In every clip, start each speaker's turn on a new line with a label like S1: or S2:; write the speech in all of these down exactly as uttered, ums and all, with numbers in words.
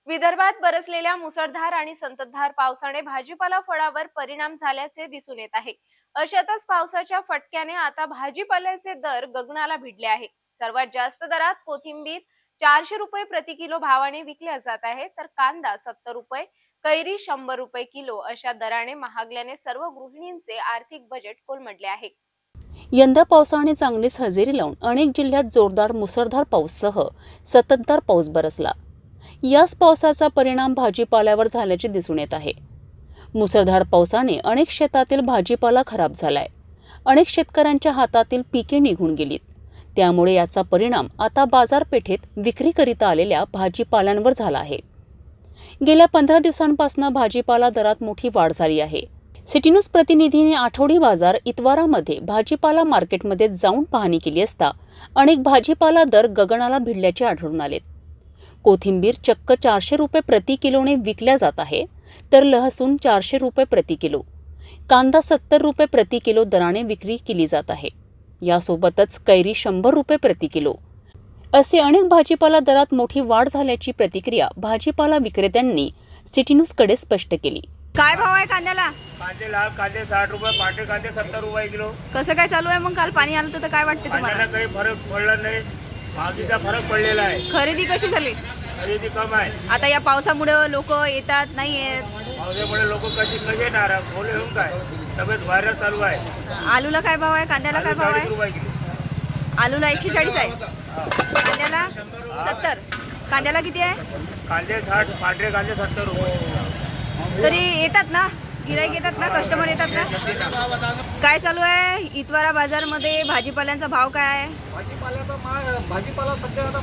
S1: विदर्भात बरसलेल्या मुसळधार आणि संततधार पावसाने भाजीपाला फळावर परिणाम झाल्याचे दिसून येत आहे। अशातच पावसाच्या फटक्याने आता भाजीपाल्याचे दर गगनाला भिडले आहे। सर्वात जास्त दरात कोथिंबीर चारशे रुपये प्रति किलो भावाने विकल्या जात आहे, तर कांदा सत्तर रुपये, कैरी शंभर रुपये किलो अशा दराने महागल्याने सर्व गृहिणींचे आर्थिक बजेट कोलमडले आहे।
S2: यंदा पावसाने चांगलीच हजेरी लावून अनेक जिल्ह्यात जोरदार मुसळधार पाऊससह संततधार पाऊस बरसला। याच पावसाचा परिणाम भाजीपाल्यावर झाल्याचे दिसून येत आहे। मुसळधार पावसाने अनेक शेतातील भाजीपाला खराब झालाय। अनेक शेतकऱ्यांच्या हातातील पिके निघून गेलीत। त्यामुळे याचा परिणाम आता बाजारपेठेत विक्रीकरिता आलेल्या भाजीपाल्यांवर झाला आहे। गेल्या पंधरा दिवसांपासून भाजीपाला दरात मोठी वाढ झाली आहे। सिटी न्यूज प्रतिनिधीने आठवडी बाजार इतवारामध्ये भाजीपाला मार्केटमध्ये जाऊन पाहणी केली असता अनेक भाजीपाला दर गगनाला भिडल्याचे आढळून आले। कोथिंबीर चक्क चारशे रुपये प्रति किलोने विकल्या जात आहे, तर लहसून चारशे रुपये प्रति किलो, कांदा सत्तर रुपये प्रति किलो दराने विक्री केली जात आहे। यासोबतच कैरी शंभर रुपये प्रति किलो असे अनेक भाजीपाला दरात मोठी वाढ झाल्याची प्रतिक्रिया भाजीपाला विक्रेत्यांनी सिटी न्यूजकडे स्पष्ट केली।
S3: काय भाव आहे कांद्याला?
S4: कांदे लाल कांदे साठ रुपये, पाटे कांदे सत्तर रुपये किलो।
S3: कसं काय चालू आहे मग? काल पाणी आलं होतं तर काय वाटते तुम्हाला?
S4: कांद्याला काही फरक पडला नाही, महागीचा फरक पडलेला आहे।
S3: खरेदी कशी झाली?
S4: खरेदी कम आहे।
S3: आता या पावसामुळे लोक येतात नाही येत?
S4: पावसामुळे लोक कशी कसे येणार? बोले होऊन काय तब्येत व्हायरस चालू आहे।
S3: आलूला काय भाव आहे? कांद्याला काय भाव आहे?
S4: रुपये किलो।
S3: आलूला एकशे चाळीस आहे, कांद्याला सत्तर। कांद्याला किती आहे?
S4: कांदे साठ, पांढरे कांदे सत्तर रुपये।
S3: तरी येतात ना गिराईक, येतात ना कस्टमर, येतात ना? काय चालू आहे इतवारा बाजार मध्ये? भाजीपाल्यांचा भाव काय आहे?
S5: भाजीपाल्याचा भाजीपाला सध्या आता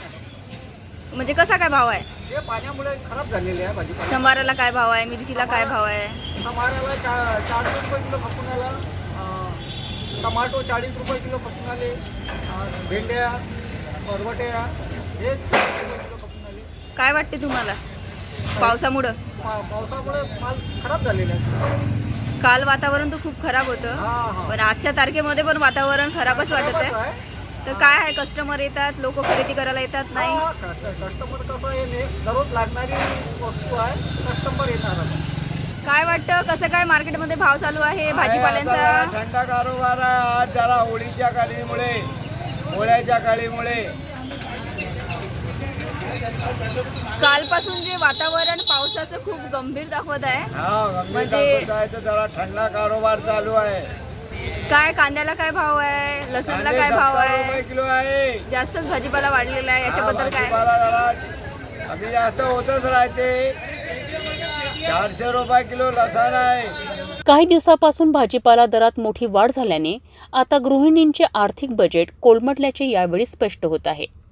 S3: म्हणजे कसा काय भाव आहे?
S5: हे पाण्यामुळे खराब झालेले आहे। भाजीपाला
S3: संबाराला काय भाव आहे? मिरचीला काय भाव आहे?
S5: टमाट्याला चा चारशे रुपये किलो खपून आला, टमाटो चाळीस रुपये किलो खपून आले, अं, भेंड्या बरवट्या हे चाळीस रुपये किलो खपून आले।
S3: काय वाटते तुम्हाला पावसामुळं?
S5: पा पावसामुळे माल खराब झालेले आहे।
S3: काल वातावरण तर खूप खराब होतं,
S5: हा हा
S3: पण आजच्या तारखेमध्ये पण वातावरण खराबच वाटत आहे।
S5: आहे।
S3: तर काय आहे, कस्टमर येतात, लोक खरेदी करायला येतात नाही?
S5: हा, कस्ट- कस्टमर कसं आहे, ने दररोज लागणारी वस्तू आहे, कस्टमर येणार आता।
S3: काय वाटतं कसं काय मार्केटमध्ये भाव चालू आहे भाजीपाल्यांचा?
S6: थंडा कारोबार आहे आज जरा होळीच्या काळीमुळे, होळ्याच्या काळीमुळे।
S3: कालपासून जे वातावरण पावसाचं खूप गंभीर दाखवत आहे,
S6: हा गंभीर
S3: म्हणजे-
S6: दाखवत आहे तर जरा थंडा कारोबार चालू आहे।
S3: काय कांद्याला काय भाव आहे? लसणला
S6: कांदे
S3: काय भाव
S6: सत्तर रुपये
S3: आहे?
S6: किलो आहे।
S3: जास्तच भाजीपाला वाढलेला आहे, याच्याबद्दल काय?
S6: भाजीपाला जरा कमी जास्त होतच राहते। चारशे रुपये किलो लसण आहे।
S2: काही दिवसापासून भाजीपाला दरात मोठी वाढ झाल्याने आता गृहिणींचे आर्थिक बजेट कोलमडल्याचे यावेळी स्पष्ट होत आहे।